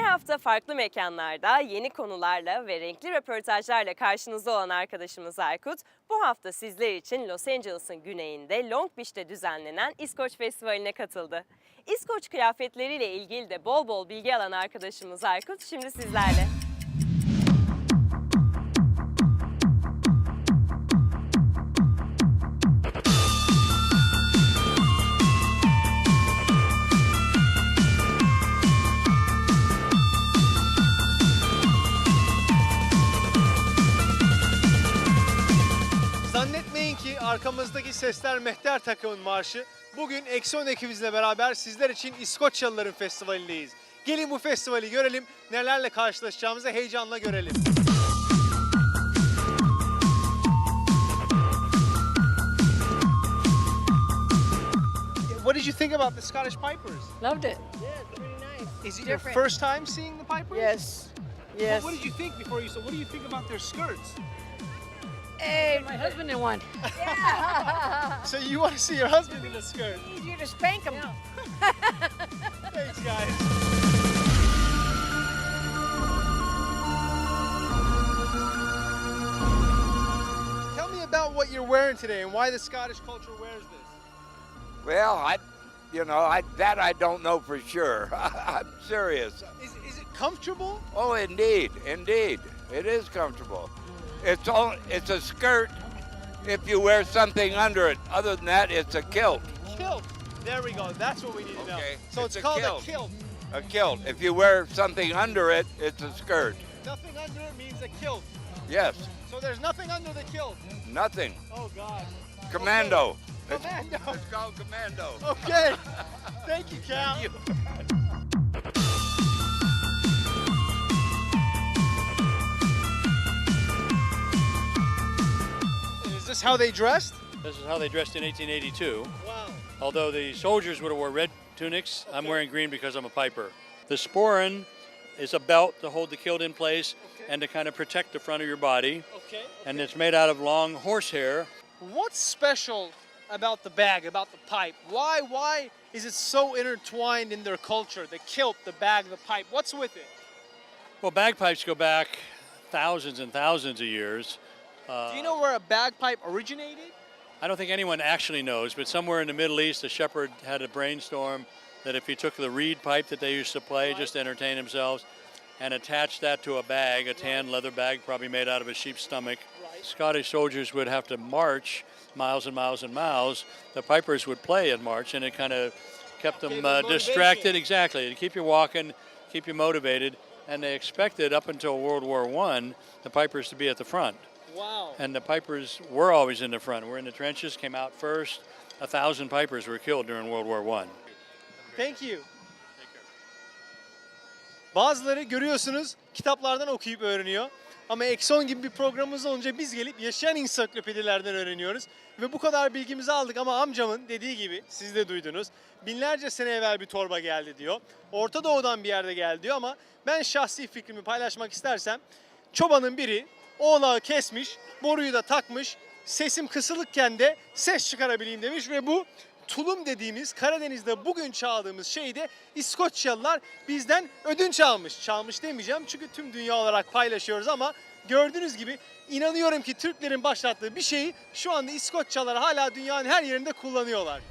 hafta farklı mekanlarda, yeni konularla ve renkli röportajlarla karşınızda olan arkadaşımız Aykut, bu hafta sizler için Los Angeles'ın güneyinde Long Beach'te düzenlenen İskoç Festivali'ne katıldı. İskoç kıyafetleriyle ilgili de bol bol bilgi alan arkadaşımız Aykut şimdi sizlerle. Zannetmeyin ki arkamızdaki sesler Mehter takımın marşı. Bugün Eksi ekibimizle beraber sizler için İskoçyalıların festivalindeyiz. Gelin bu festivali görelim, nelerle karşılaşacağımızı heyecanla görelim. What did you think about the Scottish Pipers? Loved it. Yeah, it's pretty nice. Is it your Different. first time seeing the Pipers? Yes. Well, Yes. what did you think before you saw? What do you think about their skirts? Hey, my husband in one. So you want to see your husband in a skirt? Easier to spank him. Thanks, guys. Tell me about what you're wearing today and why the Scottish culture wears this. Well, I don't know for sure. I'm serious. Is it comfortable? Oh, indeed, it is comfortable. It's a skirt if you wear something under it. Other than that, it's a kilt. Kilt. There we go. That's what we need to know. Okay, So it's it's a called kilt. a kilt. A kilt. If you wear something under it, it's a skirt. Nothing under it means a kilt. Yes, So there's nothing under the kilt. nothing. Oh God. Commando. Commando. It's called commando. Okay. Thank you, Cal. Is this how they dressed? This is how they dressed in 1882. Wow. Although the soldiers would have wore red tunics, I'm wearing green because I'm a piper. The sporran is a belt to hold the kilt in place and to kind of protect the front of your body. Okay. And it's made out of long horsehair. What's special about the bag, about the pipe? Why is it so intertwined in their culture? The kilt, the bag, the pipe. What's with it? Well, bagpipes go back thousands and thousands of years. Do you know where a bagpipe originated? I don't think anyone actually knows, but somewhere in the Middle East, a shepherd had a brainstorm that if he took the reed pipe that they used to play just to entertain themselves and attached that to a bag, a tan leather bag probably made out of a sheep's stomach, Scottish soldiers would have to march miles and miles and miles. The pipers would play and march, and it kind of kept them Gave them distracted. motivation. Exactly, to keep you walking, keep you motivated. And they expected up until World War I the pipers to be at the front. Wow. And the pipers were always in the front. We're in the trenches, came out first. 1,000 pipers were killed during World War I. Thank you. Bazıları görüyorsunuz kitaplardan okuyup öğreniyor. Ama Exxon gibi bir programımız olunca biz gelip yaşayan ensiklopedilerden öğreniyoruz. Ve bu kadar bilgimizi aldık ama amcamın dediği gibi siz de duydunuz. Binlerce sene evvel bir torba geldi diyor. Orta Doğu'dan bir yerde geldi diyor ama ben şahsi fikrimi paylaşmak istersem çobanın biri oğlağı kesmiş, boruyu da takmış, sesim kısılıkken de ses çıkarabileyim demiş ve bu tulum dediğimiz Karadeniz'de bugün çaldığımız şeyi de İskoçyalılar bizden ödünç almış. Çalmış demeyeceğim çünkü tüm dünya olarak paylaşıyoruz ama gördüğünüz gibi inanıyorum ki Türklerin başlattığı bir şeyi şu anda İskoçyalılar hala dünyanın her yerinde kullanıyorlar.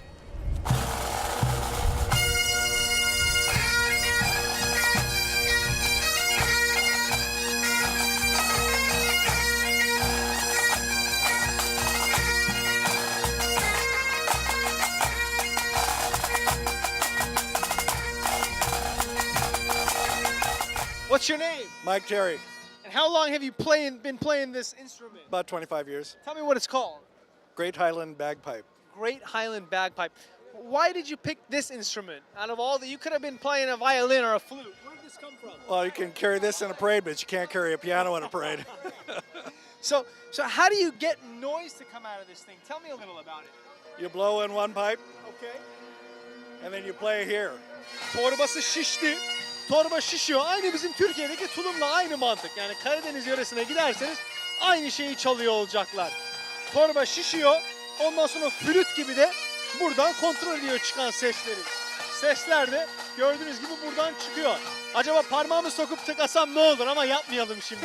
What's your name? Mike Terry, And how long have you been playing this instrument? about 25 years. Tell me what it's called. Great Highland Bagpipe. Great Highland Bagpipe. Why did you pick this instrument? Out of all that, you could have been playing a violin or a flute. Where did this come from? Well, you can carry this in a parade, but you can't carry a piano in a parade. So how do you get noise to come out of this thing? Tell me a little about it. You blow in one pipe, Okay. and then you play here. Torbası şişti. Torba şişiyor. Aynı bizim Türkiye'deki tulumla aynı mantık. Yani Karadeniz yöresine giderseniz aynı şeyi çalıyor olacaklar. Torba şişiyor. Ondan sonra flüt gibi de buradan kontrol ediyor çıkan sesleri. sesler de gördüğünüz gibi buradan çıkıyor. Acaba parmağımı sokup tıkasam ne olur ama yapmayalım şimdi.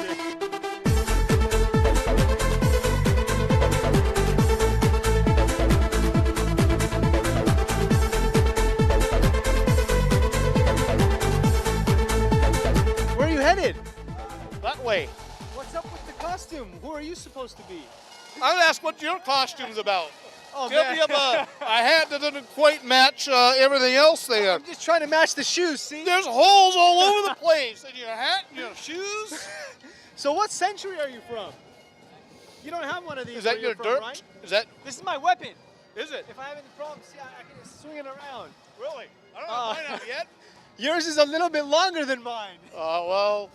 Where are you headed? That way. What's up with the costume? Who are you supposed to be? I'll ask what your costume's about. Oh, Tell man. me about a hat that doesn't quite match everything else there. I'm just trying to match the shoes, see? There's holes all over the place in your hat and your shoes. So what century are you from? You don't have one of these Is that where you're your from, dirt? right? Is that? This is my weapon. Is it? If I have any problems, see, I can just swing it around. Really? I don't Oh. know mine out yet. Yours is a little bit longer than mine. Well,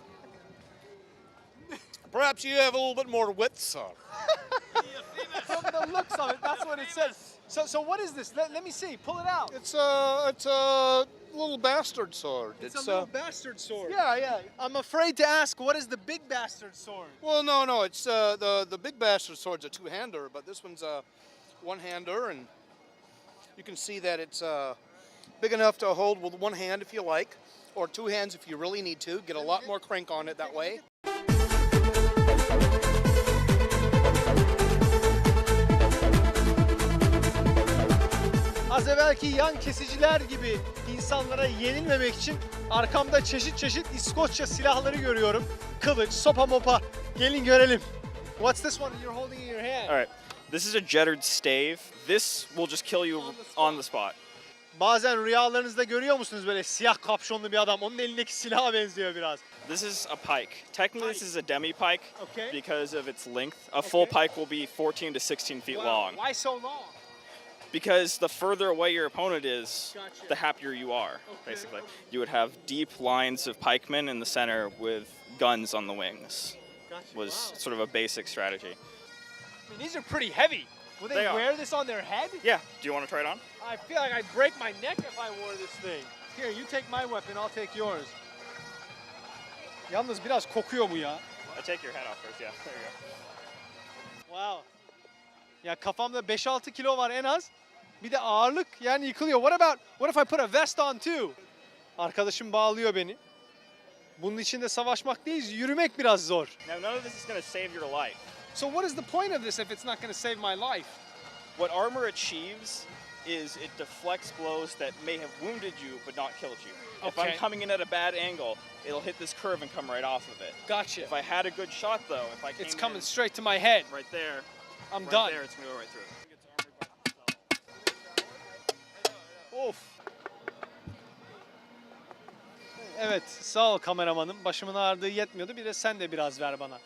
perhaps you have a little bit more width, son. From the looks of it, that's what it says. So what is this? Let me see. Pull it out. It's a little bastard sword. It's a little bastard sword. yeah. I'm afraid to ask, what is the big bastard sword? Well, no. It's the big bastard sword's a two-hander, but this one's a one-hander, and you can see that it's big enough to hold with one hand if you like, or two hands if you really need to. Get a lot more crank on it that way. Az evvelki yan kesiciler gibi insanlara yenilmemek için arkamda çeşit çeşit İskoçya silahları görüyorum. Kılıç, sopa mopa. Gelin görelim. What's this one you're holding in your hand? All right, this is a jettered stave. This will just kill you on the spot. Bazen rüyalarınızda görüyor musunuz böyle siyah kapşonlu bir adam? Onun elindeki silaha benziyor biraz. This is a pike. Technically, this is a demi pike Okay. because of its length. A full Okay. pike will be 14 to 16 feet Wow, long. why so long? Because the further away your opponent is, Gotcha. the happier you are, basically. You would have deep lines of pikemen in the center with guns on the wings. Gotcha. Was Wow. sort of a basic strategy. I mean, these are pretty heavy. Will they They are. wear this on their head? Yeah, do you want to try it on? I feel like I'd break my neck if I wore this thing. Here, you take my weapon, I'll take yours. Yalnız biraz kokuyor bu ya. Take your head off first, yeah. There you go. Wow. Ya kafamda 5-6 kilo var en az. Bir de ağırlık yani yıkılıyor. What if I put a vest on too? Arkadaşım bağlıyor beni. Bunun içinde savaşmak değil, yürümek biraz zor. Now, none of this is going to save your life. So what is the point of this if it's not going to save my life? What armor achieves is it deflects blows that may have wounded you but not killed you. If Okay. I'm coming in at a bad angle, it'll hit this curve and come right off of it. Gotcha. If I had a good shot though, if I came It's coming in straight to my head. right there, I'm right done. there, it's gonna go right through. Of. Evet, sağ ol kameramanım. Başımın ağrıdığı yetmiyordu. Bir de sen de biraz ver bana.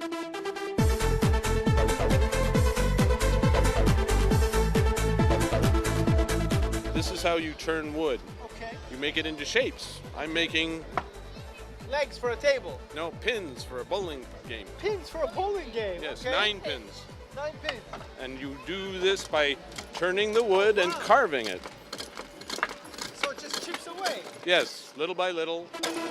This is how you turn wood. Okay. You make it into shapes. I'm making, Legs for a table. no, pins for a bowling game. Pins for a bowling game. Yes, okay? 9 pins. 9 pins. And you do this by turning the wood and carving it. So it just chips away. Yes, little by little.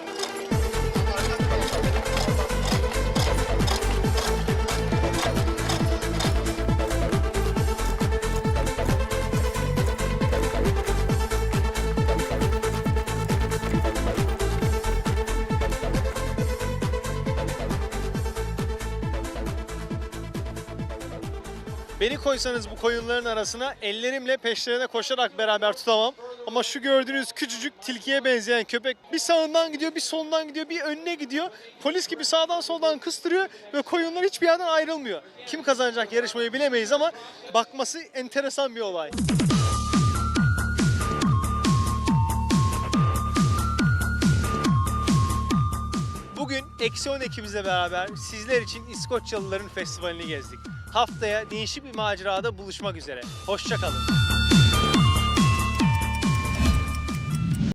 Beni koysanız bu koyunların arasına ellerimle peşlerine koşarak beraber tutamam. Ama şu gördüğünüz küçücük tilkiye benzeyen köpek bir sağından gidiyor, bir solundan gidiyor, bir önüne gidiyor. Polis gibi sağdan soldan kıstırıyor ve koyunlar hiçbir yerden ayrılmıyor. Kim kazanacak yarışmayı bilemeyiz ama bakması enteresan bir olay. Bugün Eksi 10 ekibimizle beraber sizler için İskoçyalıların festivalini gezdik. Haftaya değişik bir macerada buluşmak üzere. Hoşça kalın.